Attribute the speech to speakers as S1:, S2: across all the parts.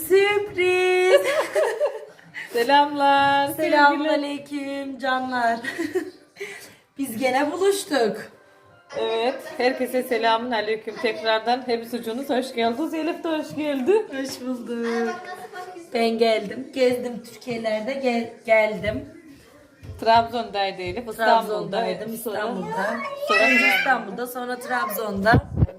S1: Sürpriz.
S2: Selamlar.
S1: Selamünaleyküm canlar. Biz gene buluştuk.
S2: Evet, herkese selamun aleyküm tekrardan. Hepsi sucuğunuz hoş geldiniz. Elif de hoş geldi.
S1: Hoş bulduk. Ben geldim. Gezdim Türkiye'lerde geldim.
S2: Trabzon'daydı Elif.
S1: Trabzon'daydım. Önce İstanbul'da, sonra Trabzon'da.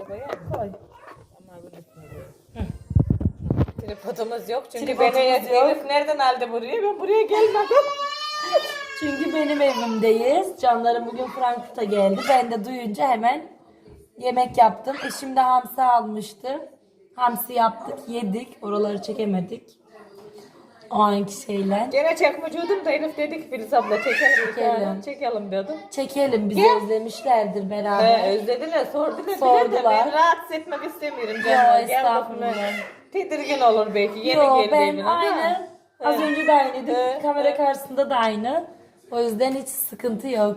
S2: Tripodumuz yok çünkü
S1: Tripodumuz
S2: beni
S1: yok.
S2: Elif nereden aldı buraya? Ben buraya gelmedim.
S1: Çünkü benim evimdeyiz. Canlarım bugün Frankfurt'a geldi. Ben de duyunca hemen yemek yaptım. Eşim de hamsi almıştı. Hamsi yaptık, yedik. Oraları çekemedik. O anki şeyler.
S2: Gene çekmeciyordum da Elif dedi ki Filiz abla çekelim dedim.
S1: Çekelim, bizi özlemişlerdir beraber.
S2: Özlediler, sordular.
S1: Sordular.
S2: Ben rahatsız etmek istemiyorum
S1: Yo,
S2: canım.
S1: estağfurullah.
S2: Tedirgin olur belki. Yeni
S1: Yo,
S2: geldi
S1: ben
S2: evine.
S1: aynı. Az önce de aynıydı.
S2: Evet,
S1: Kamera
S2: evet.
S1: karşısında da aynı. O yüzden hiç sıkıntı yok.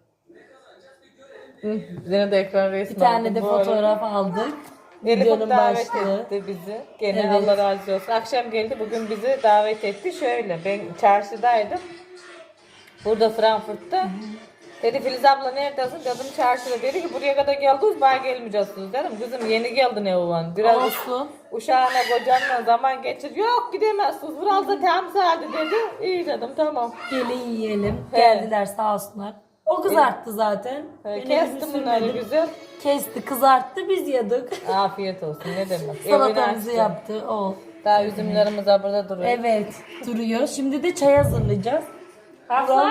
S2: Yine de ekran resmi
S1: Bir tane
S2: aldım
S1: de
S2: bu arada.
S1: fotoğraf aldık.
S2: Elif
S1: Videonun
S2: davet
S1: başlığı.
S2: etti bizi. Gene
S1: Evet.
S2: Allah razı olsun. Akşam geldi bugün bizi davet etti. Şöyle ben çarşıdaydım. Burada Frankfurt'ta. Dedi Filiz abla neredesin? Dedim çarşıda. Dedi ki buraya kadar geldiniz bana gelmeyeceksiniz dedim. Kızım yeni geldin Evan. Biraz
S1: Olsun.
S2: uşağına kocanla zaman geçir. Yok gidemezsiniz. Biraz da temsaldi dedi. İyi dedim tamam.
S1: Gelin yiyelim.
S2: He.
S1: Geldiler sağ olsunlar. O kızarttı zaten. Beni
S2: Kestim
S1: bir
S2: bunları
S1: sürmedi.
S2: güzel.
S1: Kesti, kızarttı, biz yedik.
S2: Afiyet olsun ne demek.
S1: Salatamızı
S2: Evini açtı.
S1: yaptı. O.
S2: Daha üzümlerimiz burada duruyor.
S1: Evet, duruyor. Şimdi de çay hazırlayacağız.
S2: Hafsa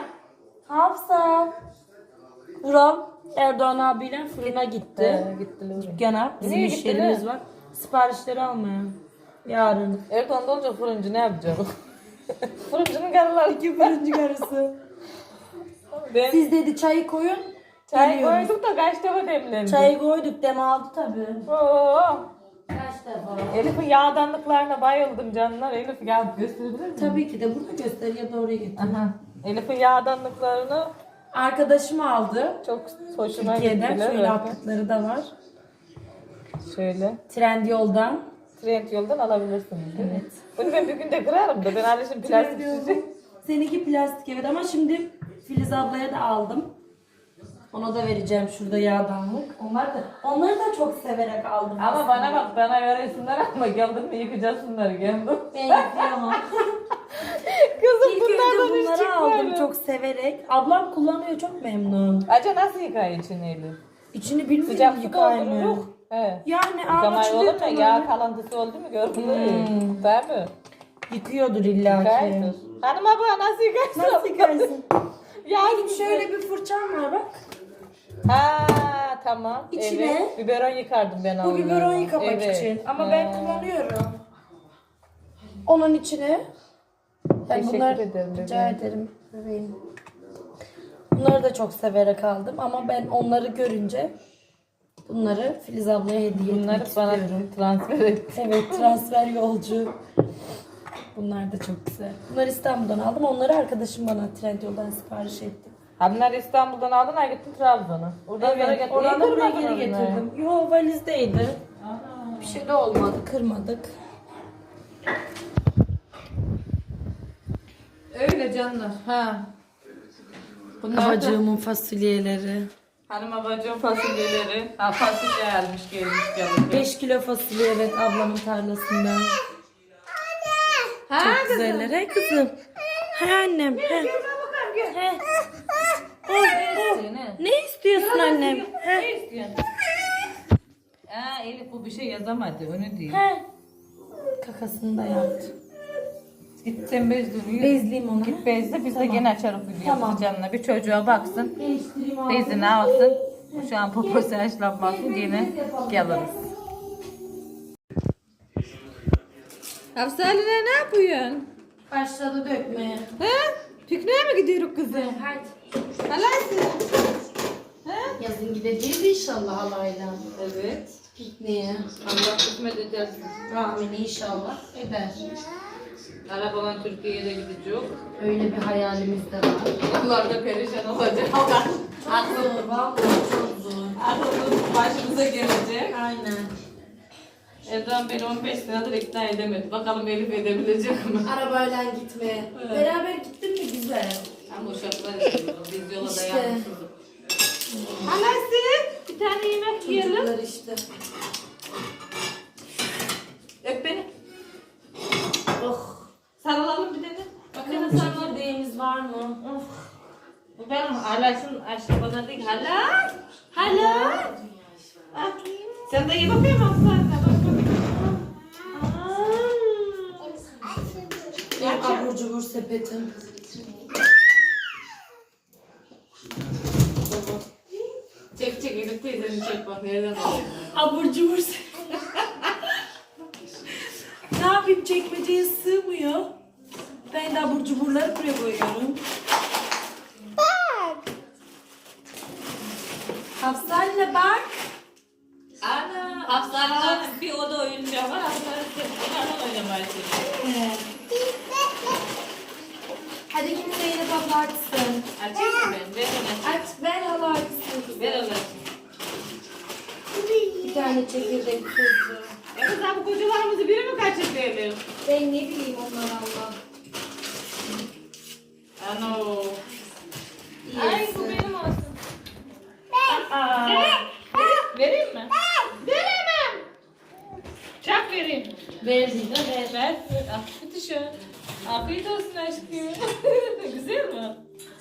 S1: Hafsa. Vural Erdoğan abiyle fırına gitti.
S2: gittiler.
S1: Dükkana. Bizim
S2: Niye
S1: iş
S2: gittiler?
S1: yerimiz var. Siparişleri almaya. Yarın.
S2: Erdoğan'da olunca fırıncı ne yapacak? Fırıncının karıları
S1: İki fırıncı karısı.
S2: Ben
S1: Siz dedi çayı koyun.
S2: çay
S1: geliyoruz.
S2: koyduk da kaç defa demlendi.
S1: Çayı koyduk, dem aldı tabii.
S2: Oo.
S1: Kaç defa?
S2: Elif'in yağdanlıklarına bayıldım canlar. Elif gel gösterebilir miyim?
S1: Tabii ki de burada göster ya da oraya getir.
S2: Aha. Elif'in yağdanlıklarını
S1: Arkadaşım aldı.
S2: çok hoşuma
S1: Türkiye'den
S2: gittiler.
S1: şöyle atlıkları da var.
S2: Şöyle.
S1: Trendyol'dan.
S2: Trend yoldan alabilirsiniz. Evet. Bunu ben bir günde kırarım da ben alışım plastik şişe.
S1: Seninki plastik evet ama şimdi Filiz ablaya da aldım. Ona da vereceğim şurada yağdanlık. Onları da çok severek aldım.
S2: Ama bana bak bana veresinler ama geldin mi yıkacaksınlar geldim.
S1: Ben yıkayamam.
S2: Kızım
S1: İlk
S2: bunlardan
S1: önce
S2: hiç
S1: bunları aldım
S2: çıkmadı.
S1: çok severek. Ablam kullanıyor, çok memnun.
S2: Acaba nasıl yıkayın içini Elif?
S1: İçini bilmiyorum
S2: Sıcak su
S1: yıkayamıyor.
S2: doldururuz. He.
S1: Yani
S2: Yıkamayı
S1: açılıyor
S2: olur mu? Yağ
S1: tamam.
S2: kalıntısı oldu mu gördün mü? Tabii.
S1: Yıkıyordur illa ki.
S2: Yıkaydır. Hanım abla nasıl yıkaysın?
S1: Nasıl yıkarsın?
S2: Yağ
S1: Benim
S2: gibi.
S1: şöyle bir fırçam var bak.
S2: Ha tamam.
S1: İçine-
S2: Evet. Biberon yıkardım ben
S1: Bu
S2: onunla.
S1: biberon yıkamak
S2: Evet.
S1: için. Ama
S2: Ha.
S1: ben kullanıyorum. Onun içine. Ben
S2: Teşekkür ederim
S1: Rica
S2: bebeğim.
S1: ederim bebeğim. Bunları da çok severek aldım ama ben onları görünce bunları Filiz ablaya hediye
S2: Bunları
S1: etmek
S2: bana
S1: istiyorum.
S2: transfer et.
S1: Evet, transfer yolcu. Bunlar da çok güzel. Bunları İstanbul'dan aldım. Onları arkadaşım bana Trendyol'dan sipariş etti.
S2: Ha bunlar İstanbul'dan aldın ha gittin Trabzon'a. Oradan buraya
S1: Evet,
S2: getirdin.
S1: oradan da
S2: Niye
S1: buraya
S2: kırmadın
S1: geri
S2: onları?
S1: getirdim. Yo, valizdeydi. Bir şey de olmadı, kırmadık.
S2: Öyle canlar. Ha. Bunlar da
S1: Babacığımın fasulyeleri.
S2: hanım abacığım fasulyeleri. Ha fasulye gelmiş canım.
S1: 5 kilo fasulye evet ablamın tarlasından.
S2: Ha
S1: Çok güzeller. He kızım. He annem. He. He. Ne istiyorsun annem? He.
S2: Ne istiyorsun? Ha Elif bu bir şey yazamadı onu değil.
S1: He. Kakasını da yaptı.
S2: Git sen bezle.
S1: Bezleyeyim onu.
S2: Git bezle biz de gene açarız videomuzu
S1: Tamam.
S2: canına. Bir çocuğa baksın.
S1: Değiştireyim abi.
S2: Bezini alsın. Şu an poposu haşlanmasın yine geliriz. Hafsa Ali'ne ne yapıyorsun?
S1: Başladı dökmeye.
S2: He? Pikniğe mi gidiyoruz kızım?
S1: Hadi.
S2: Halaysı.
S1: Yazın gideceğiz inşallah halayla.
S2: Evet.
S1: Pikniğe.
S2: Allah kısmet edersin.
S1: Amin inşallah eder.
S2: Arabalan Türkiye'ye de gidecek.
S1: Öyle bir hayalimiz de var.
S2: Onlar da perişan olacak.
S1: Zor, vallahi çok zor.
S2: Aklımız başımıza gelecek.
S1: Aynen.
S2: Erdoğan beni 15 senedir ikna edemedi. Bakalım Elif edebilecek mi?
S1: Arabayla gitmeye. Beraber gittin mi güzel.
S2: Ama uşaklar istiyoruz. Biz yola
S1: İşte.
S2: dayanmışız. Anası bir tane yemek yiyelim.
S1: Çocuklar işte.
S2: Öp beni.
S1: Oh.
S2: Sarılalım bir tane.
S1: Bakın sarma deyimiz var mı?
S2: Of. Bu benim halasın aşkı bana değil. Hala. Hala. Bak. Sen de ye bakayım aslanına. Bak bakayım.
S1: Benim abur cubur sepetim.
S2: Çek çek Elif teyzeni çek bak nereden alıyor.
S1: Abur cubur sepetim. Ne yapayım, çekmeceye sığmıyor. Ben de abur cuburları buraya koyuyorum.
S3: Bak.
S1: Hafsa'yla bak.
S2: Ana. Hafsa'nın bir oda oyuncağı var. Hafsa'nın bunlarla oynamaya çalışıyor.
S1: Hadi yine Zeynep abla açsın.
S2: Açayım mı ben? Ver onu.
S1: Aç, ver hala açsın.
S2: Ver onu.
S1: Bir tane çekirdek tuzlu.
S2: Evet sen bu kocalarımızı biri mi kaçırdı Elif?
S1: Ben ne bileyim onlar Allah.
S2: Ano.
S1: İyi
S2: Ay
S1: etsin.
S2: bu benim olsun. Aa. Vereyim mi? Veremem. Çak vereyim.
S1: Verdin de ver.
S2: Ver. Afiyet olsun. Afiyet olsun aşkım. Güzel mi?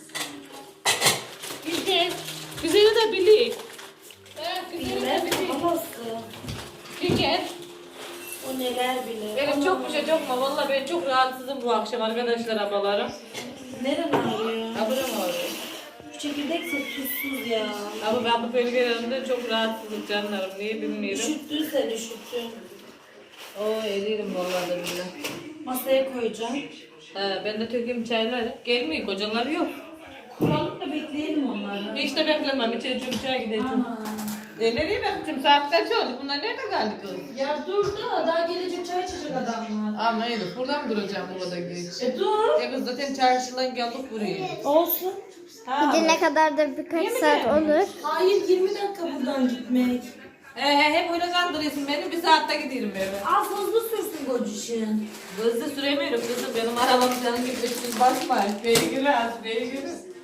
S2: Güzel. Güzeli de bilir. Güzeli de bilir.
S1: Babası.
S2: Güzel.
S1: O neler bilir.
S2: Benim çok bir şey çok mu? Valla ben çok rahatsızım bu akşam arkadaşlar abalarım.
S1: Neren ağrıyor?
S2: Aburam ağrıyor.
S1: Şu çekirdek çok tuzsuz ya.
S2: Ama ben bu bölgelerimde çok rahatsızım canlarım. Niye bilmiyorum.
S1: Üşüttün sen, üşüttün.
S2: Oo eririm vallahi da billahi.
S1: Masaya koyacağım.
S2: Ben de tökeyim çayları. Gelmiyor kocaları yok.
S1: Kuralım da bekleyelim onları.
S2: Hiç de beklemem. İçeri çöpçüye gideceğim.
S1: Aman.
S2: Nereye bakacağım? Saat kaç oldu? Bunlar nerede kaldı kız?
S1: Ya dur da daha gelecek çay içecek adamlar.
S2: Ama Elif buradan mı duracağım bu kadar geç?
S1: Dur.
S2: Kız zaten çarşıdan geldik buraya.
S1: Olsun.
S3: Gidene kadar da birkaç saat olur.
S1: Hayır, 20 dakika buradan gitmek.
S2: Hep öyle kandırıyorsun beni. Bir saatte giderim eve.
S1: Az hızlı sürsün kocuşun.
S2: Hızlı süremiyorum kızım. Benim arabam canım gibi üstüne basma. Beygiri az, beygiri.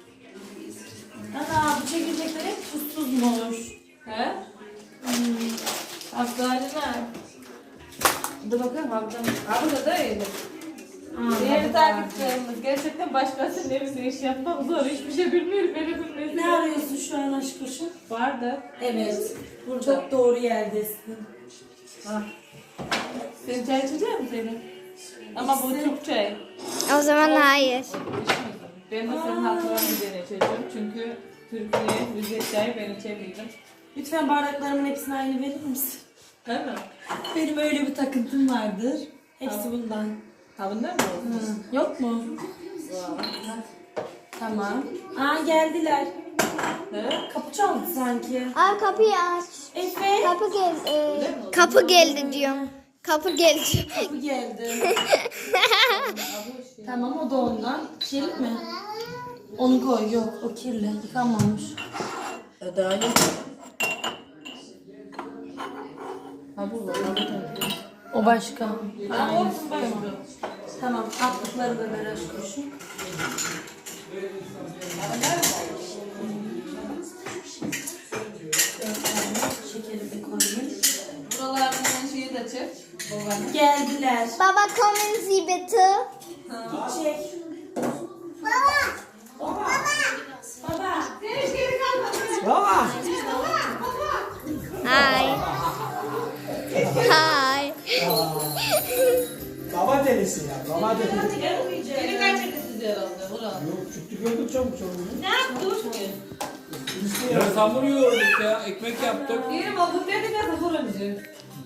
S1: Ana bu çekirdekler hep tuzsuzmuş.
S2: He? Hastaneler. Dur bakalım ablam. Abla da öyle. Değerli takipçilerimiz, gerçekten başkasının evinde iş yapmak zor. Hiçbir şey bilmiyorum, beni bilmesin.
S1: Ne arıyorsun şu an aşk kuşum?
S2: Vardı.
S1: Evet. Çok doğru yerdesin.
S2: Ha. Sen çay içecek misin senin? Ama bu Türk çay.
S3: O zaman hayır.
S2: Ben de senin hatırına bir tane içeceğim. Çünkü Türkiye, Rize çayı ben içemeydim.
S1: Lütfen bardaklarımın hepsini aynı verir misin?
S2: Değil mi?
S1: Benim öyle bir takıntım vardır. Hepsi bundan.
S2: Ha bundan mı olsun?
S1: Yok mu?
S2: Vay.
S1: Tamam. Aa geldiler.
S2: He?
S1: Kapı çaldı sanki.
S3: Aa kapıyı aç.
S1: Efe.
S3: Kapı geldi. Kapı geldi diyorum. Kapı geldi.
S1: Kapı geldi. Tamam, o da ondan. Kirli mi? Onu koy. Yok, o kirli. Yıkanmamış.
S2: Daha yok. Ha bu var.
S1: O başka.
S2: Ha olsun başka.
S1: Tamam. Atlıkları da ver aşk kuşum. Şekeri de koyayım.
S2: Buralardan şeyi de çek. Babanın.
S1: Geldiler.
S3: Baba kommen Sie bitte.
S1: Gidecek. Baba.
S4: Baba.
S3: Hi. Hi.
S4: Baba delisi ya. Baba delisi.
S2: Beni kaçırdı sizi herhalde. Burak.
S4: Yok çıktı gördük çabuk çabuk.
S2: Ne yaptın?
S5: Ya hamur yoğurduk ya, ekmek yaptık.
S2: Yerim oldum dedi de fırıncı.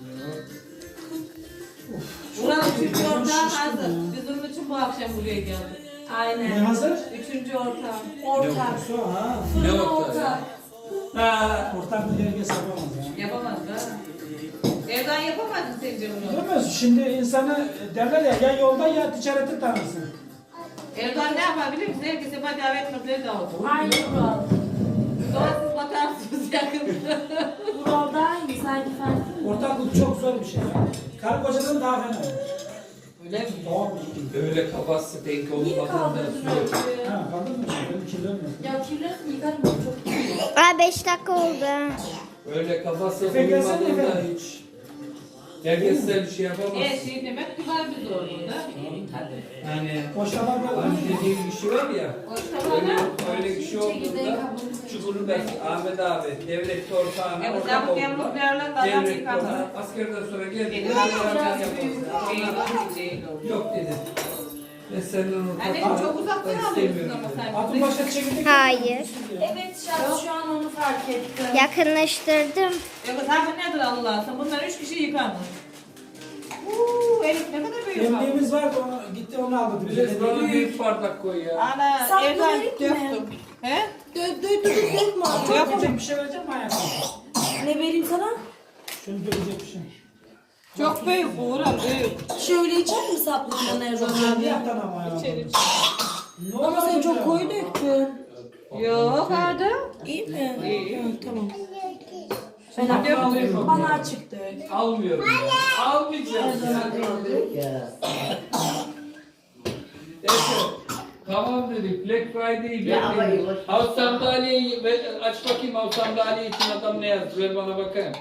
S2: Buranın üçüncü ortağı hazır. Biz onun için bu akşam buraya geldik.
S4: Ne
S1: Aynen.
S4: hazır?
S2: Üçüncü ortağı.
S1: Ortak.
S4: Su ha.
S5: Ne
S1: Fırın
S5: ortağı ya?
S1: ortak.
S4: Ha. Ortak bir herkes yapamaz ya.
S2: Yapamaz da. Evden yapamadın sence bunu.
S4: Yapamaz. Şimdi insanı derler ya yolda ya ticareti tanırsın.
S2: Erdoğan ne yapabilir misin? Herkese davet notları dağıtır.
S1: Aynı kural.
S2: Sonra siz bakarsınız yakında.
S1: Vural daha iyi sanki farklı.
S4: Ortaklık çok zor bir şey. Karı kocadan daha fena.
S2: Öyle mi?
S4: Tamam.
S5: Böyle kafası denk
S1: Niye
S5: olmadan
S1: kaldırdın öyle?
S4: Ha, kaldın mı? Benim kirlenmiyor.
S1: Ya kirlensin yıkarım çok iyi.
S3: Aa 5 dakika oldu.
S5: Öyle kafası
S4: Efe gelsene
S5: uyumadan da
S4: Efe.
S5: hiç. Herkes de bir şey yapamaz.
S2: Şey demek güzel bir zor burada.
S5: Yani
S4: Boşlama var.
S5: hani dediğim kişi var ya. Öyle kişi olduğunda Çukur'daki Ahmet abi devlet ortağına
S2: Evet,
S5: ortak
S2: Ahmet Yalnız
S5: oldular.
S2: değerlendi, adam
S5: Devlet
S2: yıkandı.
S5: ortağı askerden sonra geldi.
S2: Benim
S5: beraber
S2: yapacağız
S5: yapalım.
S2: değil.
S5: Yok dedi. Ve senin
S2: Annem
S5: ortak
S2: çok uzaktan alıyorsun ama sen.
S4: Atın başa çekildik.
S3: Hayır.
S1: Evet şu an onu fark ettim.
S3: Yakınlaştırdım.
S2: Yok zaten nedir Allah'ım? Bunlar 3 kişi yıkanmış. Elif ne kadar büyük.
S4: Demliğimiz vardı, onu, gitti onu aldı.
S5: Biraz bana büyük bardak koy ya.
S2: Ana
S1: Saplı
S2: evden
S1: verip mi?
S2: döktüm. He?
S1: Dök mü?
S4: Dökecek bir şey vereceğim mi hayatım?
S1: Ne vereyim sana?
S4: Şunu dökecek bir şey.
S2: Çok büyük bu Uğur'a büyük.
S1: Şöyle içer mi saplıktan Erdoğan
S4: Bir
S1: abi?
S4: yaktan ama hayatım.
S2: İçeri.
S4: Ne
S1: Ama sen
S4: oldu
S1: çok
S4: ya?
S1: koyu döktün.
S2: Yok hadi.
S1: İyi mi?
S2: İyi.
S1: Tamam.
S2: Şimdi
S1: Ben
S2: döktüm.
S1: bana açıktı.
S5: Almıyorum ya. Almayacağım ya. Neyse. Tamam dedik. Black Friday bekleyin. Al sandalyeyi aç bakayım, al sandalye için adam ne yazdı? Ver bana bakayım.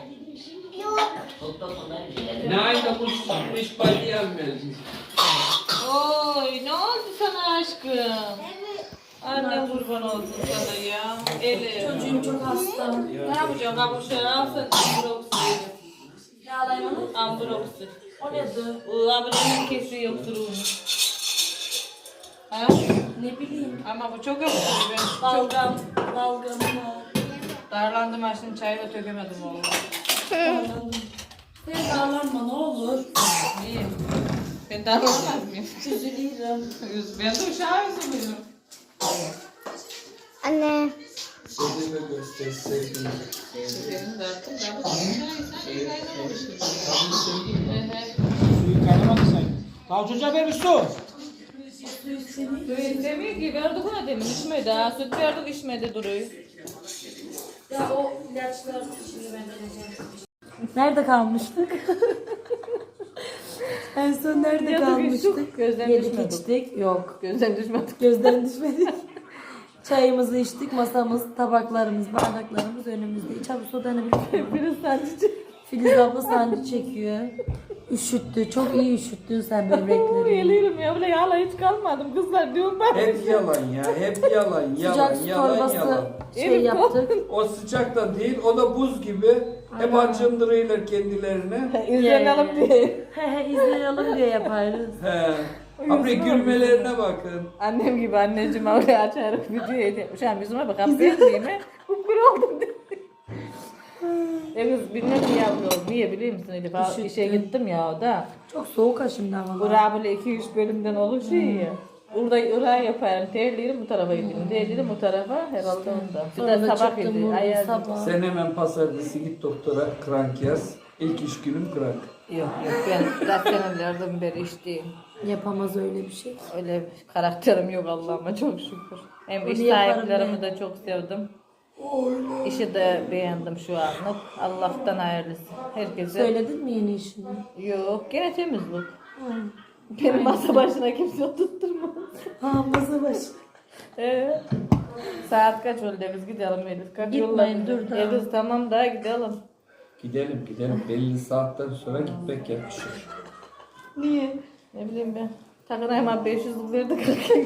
S5: Nein, da muss nicht bei dir anmelden.
S2: Oy ne oldu sana aşkım? Anne kurban olsun sana ya. Elif.
S1: Çocuğum çok hasta.
S2: Ne yapacağım? Kavuşa alsın. Ambroksu.
S1: Ne alayım onu?
S2: Ambroksu.
S1: O nedir?
S2: O ablanın kesiyor yoksuruğunu. Ha?
S1: Ne bileyim.
S2: Ama bu çok yoksuruyor. Ben çok
S1: Balgam. Balgamı var.
S2: darlandım ha şimdi çayı da tökemedim oğlum.
S1: Darlandım. Sen darlanma ne olur.
S2: İyi. Ben darlanmaz mıyım?
S1: Üzülürüm.
S2: Ben de uşağı üzülüyorum.
S3: Anne.
S5: Sözünü gösterseydin.
S2: Benim de artık ben bu çayı kaynamamışım.
S4: Suyu kaynamadı sen. Daha çocuğa ver bir su.
S2: Demiyor ki verdik ona demin içmedi ha. Süt verdik içmedi duruyor.
S1: Ya o ilaçlar şimdi ben vereceğim. Nerede kalmıştık? En son nerede
S2: Yatık
S1: kalmıştık?
S2: içtik, gözden
S1: Yedik
S2: düşmedik.
S1: içtik. Yok.
S2: Gözden düşmedik.
S1: Gözden düşmedik. Çayımızı içtik. Masamız, tabaklarımız, bardaklarımız önümüzde. İç abi soda ne bileyim.
S2: Biraz sancı.
S1: Filiz abla sancı çekiyor. Üşüttü. Çok iyi üşüttün sen böbrekleri.
S2: Geliyorum ya bile yağla hiç kalmadım kızlar diyorum ben.
S5: Hep yalan ya, hep yalan,
S1: Sıcak
S5: yalan,
S1: su
S5: yalan,
S1: torbası
S5: yalan.
S1: şey
S2: Evet,
S1: yaptık.
S5: O sıcak da değil, o da buz gibi. Hep acındırıyorlar kendilerine.
S2: İzlenelim diye.
S1: He izleyelim diye yaparız.
S5: He. Abi gülmelerine bakın.
S2: Annem gibi anneciğim oraya açarak video edeyim. Şu an yüzüme bak affedeyim mi? Kupkuru oldum dedi. Kız bilmem niye yapıyorum. Niye biliyor musun Elif?
S1: Üşüttün.
S2: İşe gittim ya o da.
S1: Çok soğuk ha şimdi havalar.
S2: Bura böyle 2-3 bölümden oluşuyor ya. Burada Irak'ı yaparım. Terliyorum bu tarafa gidiyorum. Terliyorum bu tarafa herhalde onda. Bir
S1: Sonra
S2: de
S1: da
S2: sabah
S1: çıktım
S2: yedi.
S1: burada
S2: Ayar.
S1: sabah.
S5: Sen hemen pazartesi git doktora krank yaz. İlk iş günüm krank.
S2: Yok ben zaten senelerden beri işteyim.
S1: Yapamaz öyle bir şey.
S2: Öyle bir karakterim yok Allah'ıma çok şükür. Hem
S1: Onu
S2: iş
S1: yaparım
S2: sahiplerimi
S1: ben.
S2: de çok sevdim. İşi de beğendim şu anlık. Allah'tan hayırlısı. Herkese.
S1: Söyledin mi yeni işini?
S2: Yok gene temiz bu. Benim masa başına kimse oturtturmaz.
S1: Ha masa başı.
S2: Saat kaç oldu biz gidelim Elif. Kaç
S1: Gitmeyin,
S2: yolladı?
S1: dur daha.
S2: Kız tamam da gidelim.
S5: Gidelim gidelim. Belli saatten sonra gitmek yakışır.
S2: Niye? Ne bileyim ben. Takına hemen 500'lük verdik.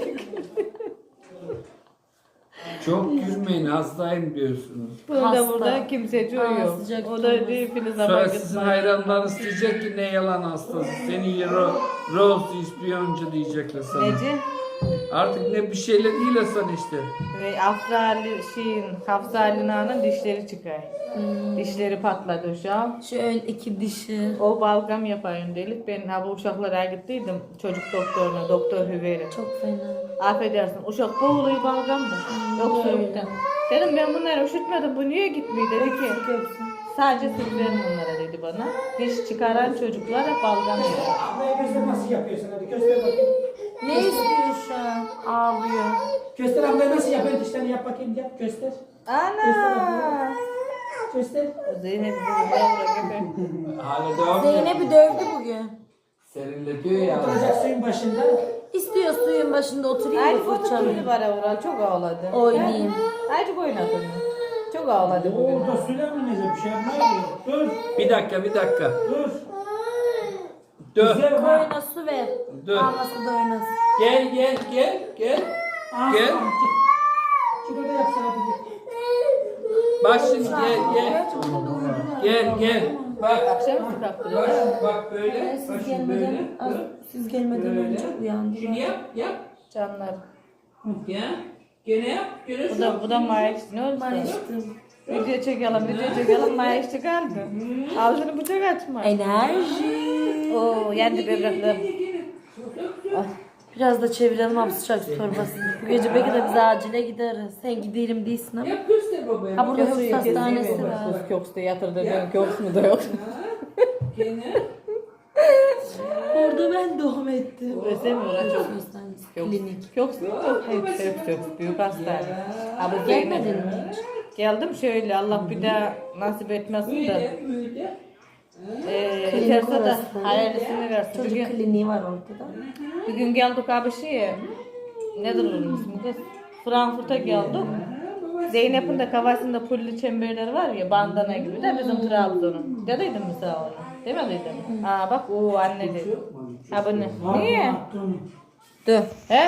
S5: Çok gülmeyin, hastayım diyorsunuz.
S2: Burada
S1: Hasta.
S2: burada kimse
S1: Aa,
S2: yok.
S1: sıcak
S2: O da
S1: tutulmaz.
S2: değil Filiz
S5: Sonra
S2: abla
S5: sizin
S2: gitmez.
S5: hayranlarınız diyecek ki ne yalan hastası. Seni Rose ispiyoncu diyecekler sana.
S2: Neci?
S5: Artık ne bir şeyle değil Hasan işte.
S2: Ve Hafsa Ali Nana'nın dişleri çıkar. Dişleri patladı şu an.
S1: Şu ön iki dişi.
S2: O balgam yapayım dedik. Ben ha bu uşaklara gittiydim. Çocuk doktoruna, doktor Hüveyre.
S1: Çok fena.
S2: Affedersin uşak boğuluyor balgamda. Yoksuluktan. Dedim ben bunları üşütmedim bu niye gitmiyor dedi ki. Sadece süt verin bunlara dedi bana. Diş çıkaran çocuklar hep balgam yiyor.
S4: Ablaya göster nasıl yapıyorsun, hadi göster bakayım.
S1: Ne istiyor şu an? Ağlıyor.
S4: Göster abla nasıl yapıyor dişlerini yap bakayım yap göster.
S2: Ana.
S4: Göster.
S2: Zeynep gibi.
S5: Hala devam ediyor.
S1: Zeynep'i dövdü bugün.
S5: Serinletiyor ya.
S4: Oturacak suyun başında.
S1: İstiyor suyun başında oturayım
S2: Aynı
S1: mı
S2: foto
S1: fırçalayayım?
S2: tüylü var Avral. Çok ağladı.
S1: Oynayayım.
S2: Azıcık oynadı onu. Çok ağladı bugün.
S4: Orada suyla mı neyse bir şey yapmıyor. Dur.
S5: Bir dakika.
S4: Dur.
S5: Dur.
S4: Güzel bak.
S1: Koyuna su ver.
S5: Dur.
S1: Ağlasın da oynasın.
S5: Gel. Gel.
S4: Gel. Şurada yapsana bir.
S5: Bak şimdi gel. Bak.
S2: Akşam kalktırıyor.
S5: Bak böyle. Bak
S1: Siz
S5: şimdi böyle.
S1: gelmeden, siz gelmeden
S5: Böyle.
S1: önce uyandı.
S5: Şunu yap.
S2: Canlar.
S5: Ya. Gene yap. Gene
S2: Bu da Mayıs. Ne oldu?
S1: Barıştım.
S2: Video çekelim. Mayıs çıkardı. Ağzını bıçak açma.
S1: Enerji.
S2: Oo, yendi böbrekler.
S1: Biraz da çevirelim abi sıcak su torbasını. Bu gece belki de biz acile gideriz. Sen gidelim değilsin ama.
S5: Yap göster babaya.
S1: Ha burada hıfz hastanesi var.
S2: Kız köksü de yatırdı. Benim köksü de yok.
S5: Gene.
S1: Orada ben doğum ettim.
S2: Özlemiyor ha çok.
S1: Hastanesi.
S2: Klinik. Köksü yok. Hep büyük hastane. Abi
S1: Gelmedin mi hiç?
S2: Geldim şöyle Allah bir daha nasip etmesin de.
S5: Böyle.
S2: Yeterse de
S1: orası.
S2: hayırlısını versin.
S1: Çocuk kliniği var orada da.
S2: Bir gün geldik abi şeye. Nedir onun ismi kız? Frankfurt'a geldik. Zeynep'in de kafasında pulli çemberleri var ya bandana gibi de bizim Trabzon'un. Dediydim mi sana onu? Demediydim. Aa bak o anne dedi. Ha bu ne? Niye? Dur. He?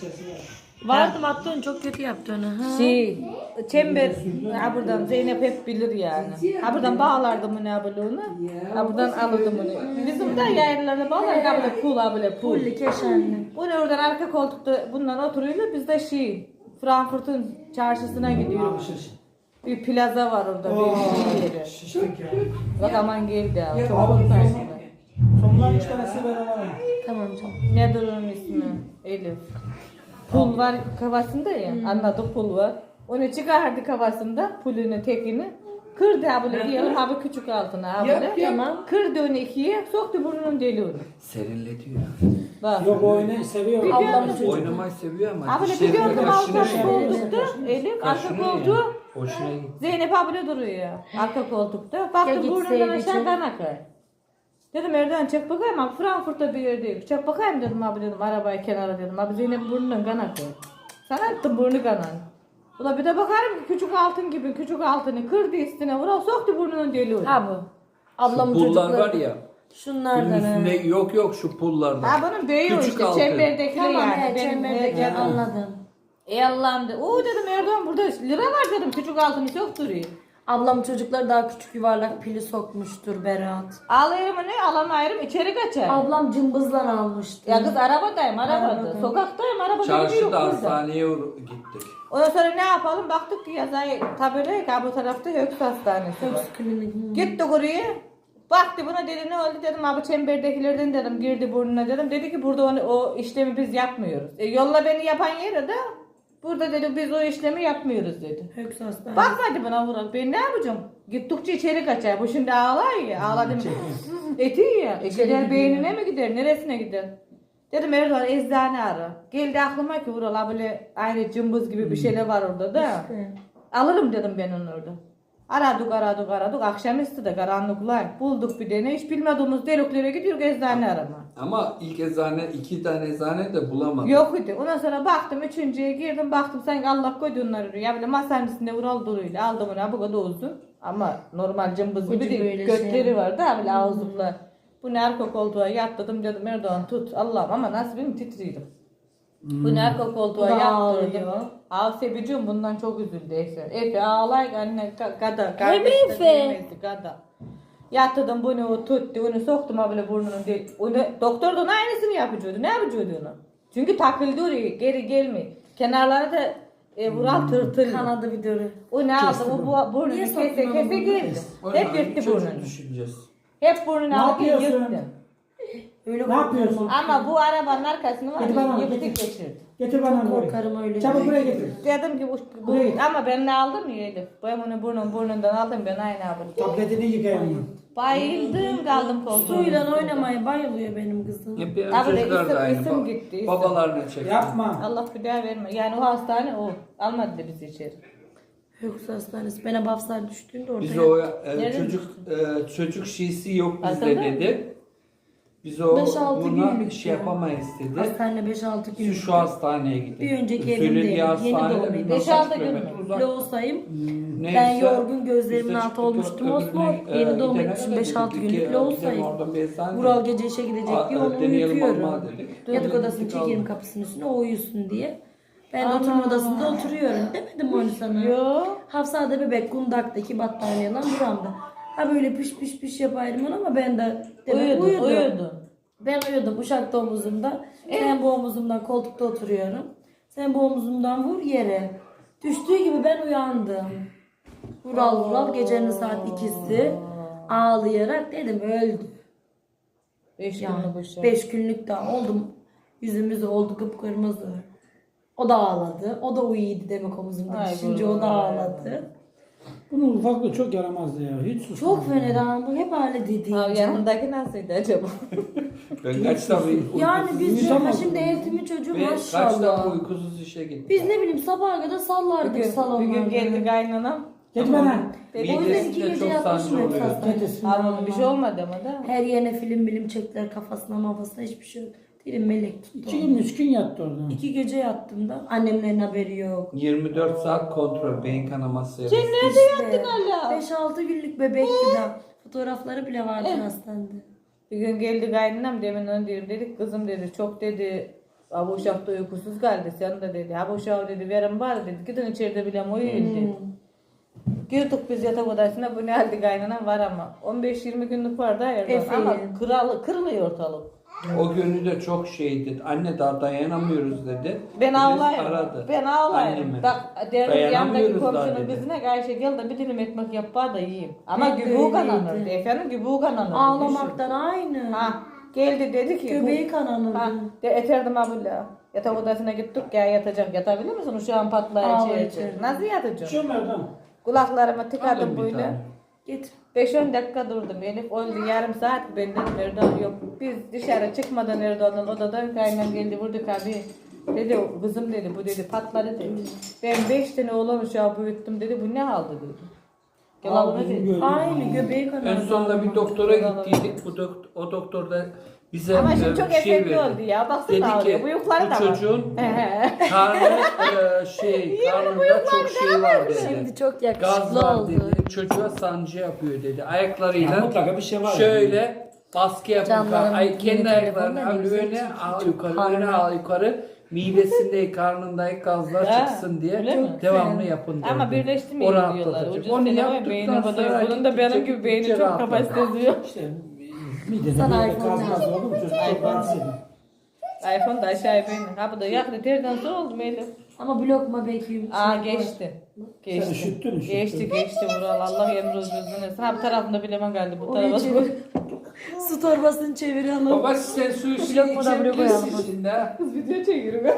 S1: Vardım attığın çok kötü yaptı onu. Ha.
S2: Çember, ha buradan Zeynep hep bilir yani. Ha buradan bağlardım bunu abone ha buradan alırdım bunu. Bizim de yayınlarına bağlardık ha böyle pul ha böyle pul.
S1: Pulli keşanlı.
S2: Bunu oradan arka koltukta bundan oturuyorlar biz de Frankfurt'un çarşısına gidiyoruz. Bir plaza var orada bir yeri.
S4: Şiştik ya.
S2: Bak aman geldi ya. Çok korkarsın.
S4: Sonlar 3 tanesi ben alalım.
S1: Tamam canım.
S2: Nedir onun ismi? Elif. Pul var kafasında ya. Anladık pul var. Onu çıkardı kafasında pulunu tekini. Kırdı ha böyle diyelim ha bu küçük altına ha böyle.
S1: Tamam.
S2: Kırdı onu ikiye soktu burnunun deliğini.
S5: Serinletiyor.
S2: Bak.
S4: Yok oyunu seviyor.
S1: Ablam çocuk.
S5: Oynamayı seviyor ama.
S2: Ha böyle bir
S5: dişlerini
S2: gördüm
S5: kaşınıyor
S2: arka
S5: ya.
S2: koltukta. Elif arka
S5: Kaşınıyor
S2: koltuğu.
S5: ya. Hoşuna gitti.
S2: Zeynep abla duruyor arka koltukta.
S1: Ya
S2: Baktım
S1: gitseydi
S2: burnundan aşağı
S1: içeri.
S2: kan akar. Dedim Erdoğan çek bakayım abi Frankfurt'ta bir yerdeyim. Çek bakayım dedim abi dedim arabayı kenara dedim. Abi Zeynep burnundan kan akıyor. Sana attım burnu kanan. Ula bir de bakarım ki küçük altın gibi küçük altını kırdı üstüne vura soktu burnunun deliğine.
S1: Ha bu. Ablamın
S5: Pullar
S1: çocukları.
S5: var ya.
S1: Şunlardan.
S5: Bunun üstünde yok şu pullardan.
S2: Ha bunun büyüğü
S5: Küçük
S2: işte
S5: altın.
S2: çemberdekiler
S1: Tamam
S2: yani.
S1: evet
S2: Benim
S1: çemberdeki
S2: canım.
S1: anladım.
S2: Allah'ım de. Oo dedim Erdoğan burada lira var dedim küçük altını çok duruyor.
S1: Ablam çocukları daha küçük yuvarlak pili sokmuştur Berat.
S2: Alayım ne alamayırım içeri kaçar.
S1: Ablam cımbızla almıştı.
S2: Ya kız arabadayım arabada.
S1: Arabada.
S2: Sokaktayım arabada gidiyor
S5: Çarşıda
S2: burada.
S5: hastaneye gittik.
S2: Ondan sonra ne yapalım baktık ki yazay tabela ki bu tarafta Höks Hastanesi var.
S1: Höks klinik.
S2: Gittik oraya. Baktı buna dedi ne oldu dedim abi çemberdekilerden dedim girdi burnuna dedim. Dedi ki burada o işlemi biz yapmıyoruz. Yolla beni yapan yere de burada dedi biz o işlemi yapmıyoruz dedi.
S1: Höks hastanesi.
S2: Bakmadı bana Vural ben ne yapacağım? Gittikçe içeri kaçar. Bu şimdi ağlar ya. Ağladım. Eti ya. Gider beynine mi gider? Neresine gider? Dedim Erdoğan eczane ara. Geldi aklıma ki Vural böyle aynı cımbız gibi bir şeyler var orada da. Alırım dedim ben onu orada. Aradık. Akşamüstü de karanlıklar. Bulduk bir tane. Hiç bilmediğimiz deliklere gidiyor eczane arama.
S5: Ama ilk eczane 2 tane eczane de bulamadım.
S2: Yok idi. Ondan sonra baktım üçüncüye girdim baktım sanki Allah koydu onları. Ya böyle masanın üstünde Vural duruyla aldım onu bu kadar uzun. Ama normal cımbız gibi
S1: Ucu
S2: değil.
S1: böyle
S2: Götleri
S1: şey.
S2: var da böyle ağızlıklar. Bunu arka koltuğa yattırdım dedim Erdoğan tut Allah'ım ama nasıl benim titriydim. Bunu arka koltuğa
S1: Bu da
S2: yattırdım.
S1: ağlıyor.
S2: Sebeciğim bundan çok üzüldü Efe. Efe ağlay anne gada.
S1: Hem Efe.
S2: Gada. Yatırdım bunu tuttu onu soktum böyle burnunun değil. Onu doktor da onun aynısını yapacaktı. Ne yapacaktı onu? Çünkü takıldı oraya geri gelmiyor. Kenarları da Vural tırtıl.
S1: Kanadı bir dörü.
S2: O ne aldı? O burnunu
S1: Niye
S2: kese
S1: soktun onu
S2: geldi.
S5: O
S2: Hep
S5: zaman
S2: yırttı
S5: çocuk
S2: burnunu.
S5: düşüneceğiz.
S2: Hep burnunu
S4: Ne
S2: aldı
S4: yapıyorsun?
S2: yırttı.
S1: Öyle
S4: Ne yapıyorsun?
S2: Ama bu arabanın arkasını var
S4: Getir bana,
S2: ya, yıktık
S4: getir.
S2: geçirdi.
S4: Getir bana onu
S1: korkarım öyle.
S4: Çabuk buraya getir.
S2: Dedim ki
S4: Buraya git.
S2: ama ben ne aldım ya Elif. Ben bunu burnundan aldım ben aynı abim.
S4: Tabletini yıkayalım.
S2: Bayıldım kaldım koltuğum.
S1: Suyla oynamaya bayılıyor benim kızım.
S5: Hep benim
S2: Tabii de
S5: çocuklar da aynı.
S2: isim gitti, isim.
S5: Babalarına çekiyor.
S4: Yapma.
S2: Allah bir daha verme. Yani o hastane o. Almadı da bizi içeri.
S1: Yoksa hastanesi. Bana Bafsar düştüğünde orada.
S5: Biz o
S2: Nerede?
S5: çocuk şeysi yok bizde
S2: Aslında
S5: dedi. Biz o
S1: 5-6
S5: buna
S1: günlük
S5: şey
S1: ya.
S5: yapamayız dedi.
S1: Hastane 5-6 gün.
S5: Şu hastaneye gidin.
S1: Bir önceki
S5: Söylediği
S1: evimdeyim. Yeni
S5: hastanede
S1: doğumluyum.
S5: bilmem
S2: 5-6
S5: kaç
S2: gün
S5: kilometre
S2: mü?
S5: uzak.
S1: Loğusayım.
S5: Neyse,
S1: Ben yorgun gözlerimin
S5: biz de
S1: altı
S5: çıktık,
S1: olmuştum.
S5: öbürüne,
S1: Osman yeni doğum
S5: gidene
S1: etmişim
S5: kadar
S1: 5-6
S5: dedik
S1: günlük
S5: ki,
S1: Loğusayım.
S5: gidelim oradan bir eczane.
S1: Vural gece işe gidecek diye onu
S5: deneyelim
S1: uyutuyorum.
S5: olmadı dedik.
S1: Yatak odasını
S5: Gittik,
S1: çekeyim
S5: aldık.
S1: kapısının üstüne o uyusun diye. Ben de oturma odasında oturuyorum. Demedim mi onu sana?
S2: Yok.
S1: Hafsa'da bebek kundaktaki battaniyeyle buramda. Ha böyle piş piş piş yapayım onu ama ben de demek uyudum. Ben uyudum Uşak'ta omuzumda. Sen bu omuzumdan koltukta oturuyorum. Sen bu omuzumdan vur yere. Düştüğü gibi ben uyandım. Vural gecenin saat 2'si ağlayarak dedim öldü.
S2: 5
S1: Yani
S2: günlük boşa.
S1: 5 günlük daha oldum. Yüzümüz oldu kıpkırmızı. O da ağladı. O da uyuydu demek omuzumda.
S2: Ay
S1: Düşünce o da ağladı.
S4: Bunun ufaklığı çok yaramazdı ya. Hiç susmadı.
S1: Çok fena ama hep öyle dedi.
S2: Abi yanındaki nasıldı acaba?
S5: Ben kaç defa
S1: Yani biz
S4: Uyutamadım.
S1: şimdi eğitimi çocuğu
S5: ve kaç defa
S1: maşallah.
S5: uykusuz işe gittim.
S1: Biz ne bileyim sabaha kadar sallardık
S2: Bir gün
S1: salonlarda.
S2: geldi kaynanam.
S4: Getir bana.
S1: O yüzden 2
S5: Midesinde
S1: gece
S5: çok
S1: yatmışım
S5: sancı
S1: hep
S5: oluyor.
S1: hastanede.
S4: Getirsin.
S2: Abi bir şey olmadı ama da.
S1: Her yerine film çektiler kafasına mafasına hiçbir şey yok. Dilim melek tuttu.
S4: 2 gün 3 gün yattı orada.
S1: 2 gece yattım da annemlerin haberi yok.
S5: 24 saat kontrol, beyin kanaması.
S1: İşte
S2: hala?
S1: 5-6 günlük bebekti de. Fotoğrafları bile vardı hastanede.
S2: Bir gün geldi kaynanam demin onu diyorum dedik kızım dedi çok dedi abi uşakta uykusuz geldi sen de dedi abi uşağı dedi verin var dedi gidin içeride bile uyuyun dedi. Girdik biz yatak odasına bu ne halde kaynanam var ama 15-20 günlük var da Erdoğan ama kırılıyor ortalık.
S5: O günü de çok şeydi. Anne daha dayanamıyoruz dedi.
S2: Ben
S5: Biz
S2: ağlayayım.
S5: aradı.
S2: Ben ağlayayım.
S5: Annemi.
S2: Bak derim yandaki
S5: Dayanamıyoruz daha
S2: komşunun
S5: dedi.
S2: bizine Ayşe gel de bir dilim ekmek yap bana da yiyeyim. Ama
S1: Ben de
S2: gübuğu kananırdı.
S1: öyleydi.
S2: Efendim gübuğu kananırdı.
S1: Ağlamaktan aynı.
S2: Ha geldi dedi ki.
S1: Göbeği kananırdı.
S2: Ha de eterdim abla. Yatak odasına gittik ya yatacak. Yatabilir misin? Uşağın patlağı
S1: Ağlar
S2: içeri.
S1: içeri.
S2: Nasıl yatacağım?
S4: Şu Merdan.
S2: Kulaklarıma tıkadım
S5: Alın bir
S2: böyle.
S5: tane.
S1: Getir.
S2: 5-10 dakika durdum. Elif oldu yarım saat benden Erdoğan yok. Biz dışarı çıkmadan Erdoğan'ın odadan kaynam geldi vurdu abi. Dedi kızım dedi bu dedi patladı dedi. Ben 5 tane oğlan uşağı büyüttüm dedi bu ne halde dedi. Yalan dedi.
S1: Aynı göbeği kanardı.
S5: En sonunda bir doktora gittiydik. O doktor da bize
S2: Ama şimdi çok
S5: bir şey
S2: efektli
S5: verdi.
S2: oldu ya. Baksana
S5: Dedi
S2: ağrıyor.
S5: ki
S2: Bıyıkları
S5: bu
S2: da var.
S5: çocuğun karnında çok şey var dedi.
S1: Şimdi çok
S5: Gaz
S1: yakışıklı
S5: var
S1: oldu.
S5: dedi. Çocuğa sancı yapıyor dedi. Ayaklarıyla
S4: Ya mutlaka bir şey var
S5: şöyle baskı yapıyor.
S1: Canlarım
S5: Kendi
S1: yeni
S5: ayaklarını
S1: telefonla
S5: al
S1: ne güzel
S5: öne al
S1: çekiyor.
S5: yukarı öne al yukarı. Midesinde karnındaki gazlar
S2: Ha,
S5: çıksın diye
S2: öyle mi?
S5: devamlı yapın dedi.
S2: Ama birleştirmeyin
S5: O
S2: diyorlar.
S5: rahatlatıcı.
S2: Ucuz
S5: Onu
S2: telefon
S5: yaptıktan
S2: beyni
S5: sonra
S2: kadar. Bunun da benim
S5: gittikçe
S2: gibi beyni çok
S5: rahatladı.
S2: kapasitesi yok.
S4: İşte midede
S1: Sana
S4: böyle
S1: iPhone
S4: gaz
S1: lazım.
S4: oldu mu çocuk çok rahatsız ediyor.
S2: iPhone da aşağıya beyni. Ha bu da yaktı. Terden sonra oldu mu Elif?
S1: Ama blokma belki.
S2: Aa geçti.
S4: Sen
S2: Geçti.
S4: üşüttün.
S2: Geçti Vural. Allah emri uzun etsin. Ha bu tarafında bilemem geldi. Bu
S1: Oraya
S2: tarafa
S1: çevir. Su torbasını çevirelim.
S5: Baba sen su işi
S1: Blok mu da blok koyalım.
S5: içebilirsin şimdi ha.
S2: Kız video çekiyorum.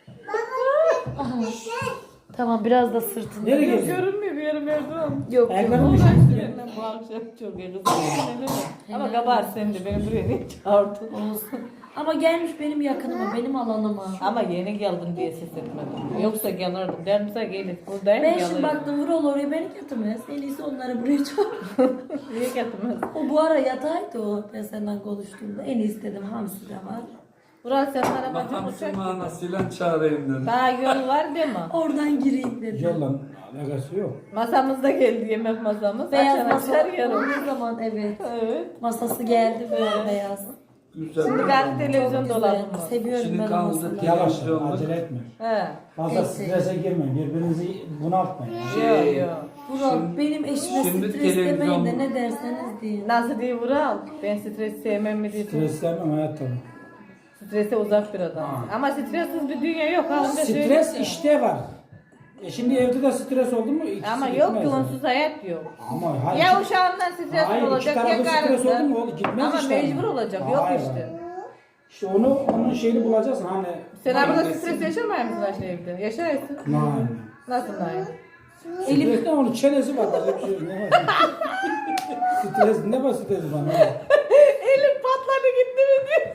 S1: Tamam biraz da sırtını.
S4: Nereye gidiyorsun?
S2: Görünmüyor bir yerim Erdoğan.
S1: Yok.
S4: Ayaklarım
S2: Uğraş
S4: üşüttü.
S2: benden bu akşam çok iyi kızım. Ama kabahat sen de beni buraya niye çağırdın?
S1: Olsun. Ama gelmiş benim yakınıma, benim alanıma.
S2: Ama yeni geldin diye ses etmedim. Yoksa gelirdim. Dermişse gelip buradayım
S1: Ben şimdi
S2: gelirdim.
S1: baktım Vural oraya beni getirmez. En iyisi onları buraya çağır.
S2: Niye getirmez?
S1: O bu ara yataydı o. Ben senden konuştuğumda. En iyisi dedim hamsi de var.
S2: Burası sen arabacı
S5: Hamsi
S2: uçak.
S5: manasıyla çağırayım dedim.
S2: Daha yol var değil mi?
S1: Oradan gireyim dedim.
S4: Yolla alakası yok.
S2: Masamız da geldi yemek masamız.
S1: Beyaz
S2: Açan
S1: masa
S2: açar yarım.
S1: ne zaman evet.
S2: Evet.
S1: Masası geldi böyle beyaz.
S5: Güzel.
S2: Şimdi ben televizyon
S1: Güzel.
S2: dolabım var.
S1: Seviyorum
S5: Şimdi
S1: ben o
S5: kaldı
S1: masaları.
S4: Yavaş
S5: Televizyonda.
S4: acele etme.
S2: He.
S4: Fazla
S1: Neyse.
S4: strese girmeyin. Birbirinizi bunaltmayın.
S2: Yok yok.
S1: Vural benim eşime
S5: şimdi
S1: stres demeyin
S5: televizyon-
S1: de ne derseniz deyin.
S2: Nasıl diye Vural? Ben stres sevmem mi diye.
S4: Stres sevmem hayatta.
S2: Strese uzak bir adam. Ama stressiz bir dünya yok. Ha, onu da
S4: Stres
S2: söyleyeyim.
S4: işte var. Şimdi evde de stres oldu mu? İkisi
S2: Ama yok
S4: gitmez
S2: ki
S4: yani.
S2: onsuz hayat yok.
S4: Ama hayır.
S2: Ya uşağından stres
S4: Hayır, iki
S2: olacak ya
S4: tarafı stres oldu mu
S2: karnından.
S4: o gitmez
S2: Ama
S4: işte.
S2: mecbur olacak. Yok
S4: Hayır.
S2: işte.
S4: İşte onun şeyini bulacaksın hani.
S2: Sen abla stres yaşamıyor musun Ayşe evde? Yaşarsın.
S4: Nein.
S2: Nasıl Nail?
S4: Elif de onun çenesi var. Başka bir şey yok. Ne var? Stres ne var stres bana?
S2: Elim patladı gitti mi diyor.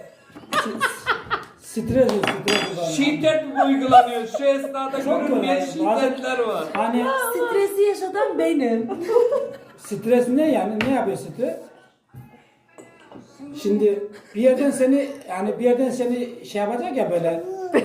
S4: Stres bana.
S5: Şiddet mi uygulanıyor? Şu esnada
S4: Çok
S5: görünmeyen
S4: kolay. Bazen-
S5: şiddetler var.
S4: Hani
S1: Stresi yaşatan benim.
S4: stres ne yani? Ne yapıyor stres? Şimdi bir yerden seni şey yapacak ya böyle